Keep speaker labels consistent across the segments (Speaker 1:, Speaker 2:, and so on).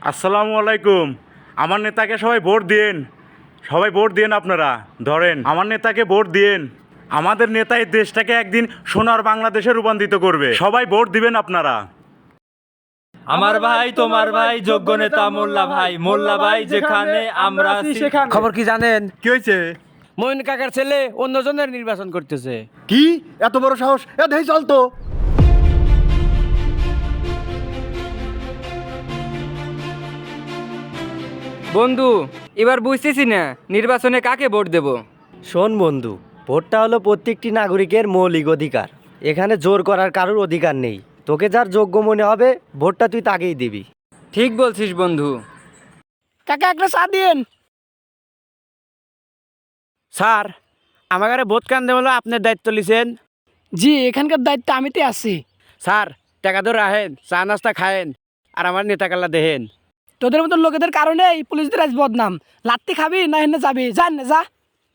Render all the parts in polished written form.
Speaker 1: আসসালামু আলাইকুম। আমার নেতাকে সবাই ভোট দিন, সবাই ভোট দিন। আপনারা ধরেন আমার নেতাকে ভোট দিন। আমাদের নেতা এই দেশটাকে একদিন সোনার বাংলাদেশে রূপান্তরিত করবে। সবাই ভোট দিবেন আপনারা।
Speaker 2: আমার ভাই তোমার ভাই যোগ্য নেতা মোল্লা ভাই যেখানে আমরা আছি সেখানে।
Speaker 3: খবর কি জানেন?
Speaker 4: কি হয়েছে?
Speaker 3: মইন কাকার ছেলে অন্যজনের নির্বাচন করতেছে।
Speaker 4: কি এত বড় সাহস? এ দেই চল তো।
Speaker 5: বন্ধু, এবার বুঝতেছি না নির্বাচনে কাকে ভোট দেব।
Speaker 6: শোন বন্ধু, ভোটটা হলো প্রত্যেকটি নাগরিকের মৌলিক অধিকার। এখানে জোর করার কারোর অধিকার নেই। তোকে যার যোগ্য মনে হবে ভোটটা তুই তাকেই দিবি।
Speaker 5: ঠিক বলছিস বন্ধু।
Speaker 3: কাকা একটা চা দিন। স্যার, আমার ভোট কান দেওয়া হলো আপনার দায়িত্ব লিছেন।
Speaker 7: জি, এখানকার দায়িত্ব আমিতে আছি।
Speaker 3: স্যার, টাকা ধরে রাখেন, চা নাস্তা খায়েন, আর আমার নেতা কাল্লা দেখেন।
Speaker 7: তোদের মতো লোকেদের কারণে এই পুলিশদের আজ বদনাম। লাত্তি খাবি না হেনে যাবি, জান না যা।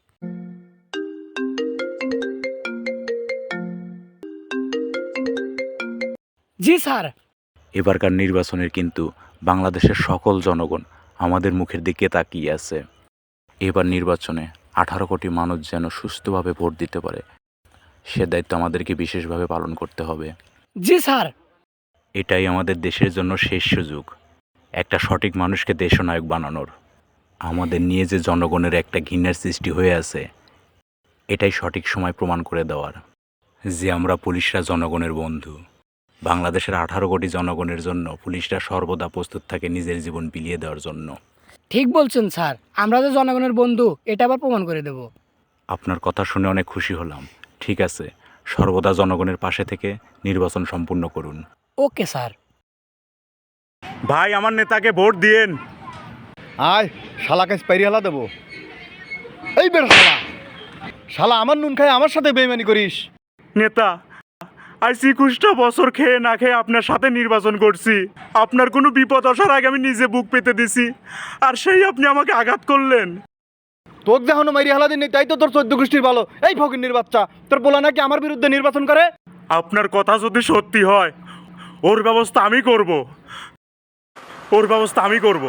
Speaker 7: জি স্যার।
Speaker 1: এবারকার নির্বাচনের কিন্তু বাংলাদেশের সকল জনগণ আমাদের মুখের দিকে তাকিয়ে আছে। এবার নির্বাচনে 18 কোটি মানুষ যেন সুস্থভাবে ভোট দিতে পারে, সে দায়িত্ব আমাদেরকে বিশেষভাবে পালন করতে হবে।
Speaker 7: জি স্যার।
Speaker 1: এটাই আমাদের দেশের জন্য শেষ সুযোগ, একটা সঠিক মানুষকে দেশনায়ক বানানোর। আমাদের নিয়ে যে জনগণের একটা ঘৃণার সৃষ্টি হয়ে আছে, এটাই সঠিক সময় প্রমাণ করে দেওয়ার যে আমরা পুলিশরা জনগণের বন্ধু। বাংলাদেশের 18 কোটি জনগণের জন্য পুলিশরা সর্বদা প্রস্তুত থাকে নিজের জীবন বিলিয়ে দেওয়ার জন্য।
Speaker 7: ঠিক বলছেন স্যার, আমরা যে জনগণের বন্ধু এটা আবার প্রমাণ করে দেব।
Speaker 1: আপনার কথা শুনে অনেক খুশি হলাম। ঠিক আছে, সর্বদা জনগণের পাশে থেকে নির্বাচন সম্পূর্ণ করুন।
Speaker 7: Okay sir.
Speaker 1: ভাই, আমার নেতাকে ভোট দিয়েন।
Speaker 4: আয় শালাকে স্পাইরি হালা দেবো। এই বের শালা, শালা আমার নুন খায় আমার সাথে বেইমানি করিস।
Speaker 1: নেতা, আজ 21টা বছর খেয়ে না খেয়ে আপনার সাথে নির্বাচন করছি। আপনার কোনো বিপদ আসার আগে আমি নিজে বুক পেতে দিছি, আর সেই আপনি আমাকে আঘাত করলেন।
Speaker 4: তোকে যখন মাইরি হালা দিন তাই তো তোর 14 গোষ্ঠীর ভালো। এই ফকিন্নির বাচ্চা, তোর বলা নাকি আমার বিরুদ্ধে নির্বাচন করে।
Speaker 1: আপনার কথা যদি সত্যি হয়, ওর ব্যবস্থা আমি করব, ওর ব্যবস্থা আমি করব।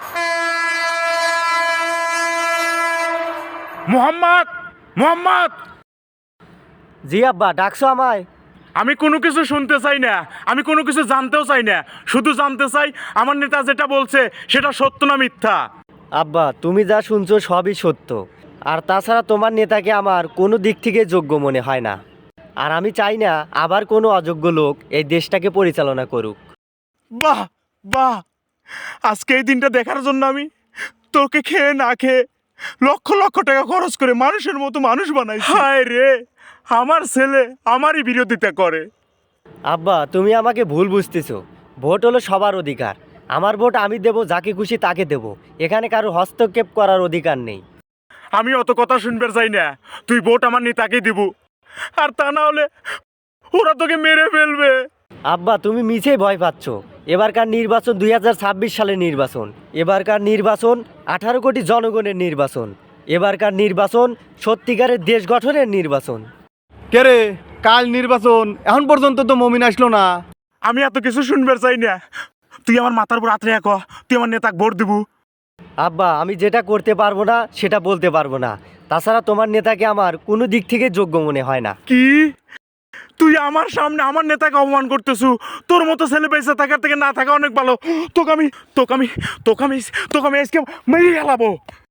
Speaker 1: মোহাম্মদ, মোহাম্মদ,
Speaker 6: জি আব্বা, ডাকছো আমায়?
Speaker 1: আমি কোনো কিছু শুনতে চাই না, আমি কোনো কিছু জানতেও চাই না। শুধু জানতে চাই আমার নেতা যেটা বলছে সেটা সত্য না মিথ্যা।
Speaker 6: আব্বা, তুমি যা শুনছো সবই সত্য। আর তাছাড়া তোমার নেতাকে আমার কোনো দিক থেকে যোগ্য মনে হয় না। আর আমি চাই না আবার কোনো অযোগ্য লোক এই দেশটাকে পরিচালনা করুক।
Speaker 1: বাহ বাহ, আজকে এই দিনটা দেখার জন্য আমি তোকে খেয়ে না খেয়ে লক্ষ লক্ষ টাকা খরচ করে মানুষের মতো মানুষ বানাই। হায় রে, আমার ছেলে আমারই বিরোধিতা করে।
Speaker 6: আব্বা, তুমি আমাকে ভুল বুঝতেছো। ভোট হলো সবার অধিকার। আমার ভোট আমি দেব, যাকে খুশি তাকে দেব। এখানে কারো হস্তক্ষেপ করার অধিকার নেই।
Speaker 1: আমি অত কথা শুনতে চাই না। তুই ভোট আমার নেতাকে দিব, আর তা না হলে ওরা তোকে মেরে ফেলবে।
Speaker 6: আব্বা, তুমি মিছেই ভয় পাচ্ছ। এবারকার নির্বাচন 2026 সালের নির্বাচন। এবারকার নির্বাচন 18 কোটি জনগণের নির্বাচন। এবারকার নির্বাচন সত্যিকারের দেশ গঠনের নির্বাচন।
Speaker 4: কে রে, কাল নির্বাচন, এখন পর্যন্ত তো মমিন আসলো না।
Speaker 1: আমি এত কিছু শুনবার চাই না। তুই আমার মাথার উপর হাত রেখে তুই আমার নেতাকে ভোট দিব।
Speaker 6: আব্বা, আমি যেটা করতে পারবো না সেটা বলতে পারবো না। তাছাড়া তোমার নেতাকে আমার কোনো দিক থেকে যোগ্য মনে হয় না।
Speaker 1: কি? তুই আমার সামনে আমার নেতাকে অপমান করতেছু? তোর মতো ছেলে বেঁচে থাকার থেকে না থাকা অনেক ভালো। তোকে আমি তোকে আমি তোকে আমি তোকে আমি আজকে মেরে ফেলাবো।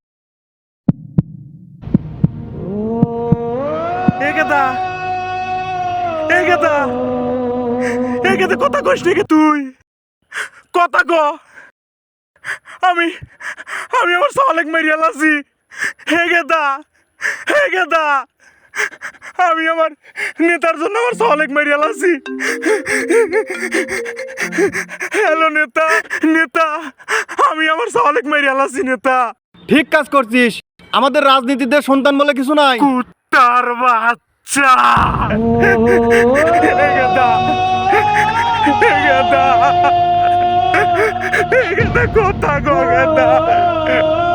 Speaker 1: এগেদা এগেদা এগেদা, কথা কইস নাকি তুই? কথা ক। আমি আমি আমার সালেক মেরিয়া লাসি। হেগেদা হেগেদা, আমি আমার নেতার জন্য আমার সালেক মেরিয়া লাসি। হ্যালো নেতা, নেতা, আমি আমার সালেক মেরিয়া লাসি। নেতা,
Speaker 4: ঠিক কাজ করছিস। আমাদের রাজনীতিতে সন্তান বলে কিছু নাই।
Speaker 1: কুত্তার বাচ্চা। হেগেদা হেগেদা হেগেদা, কথা কো গেদা।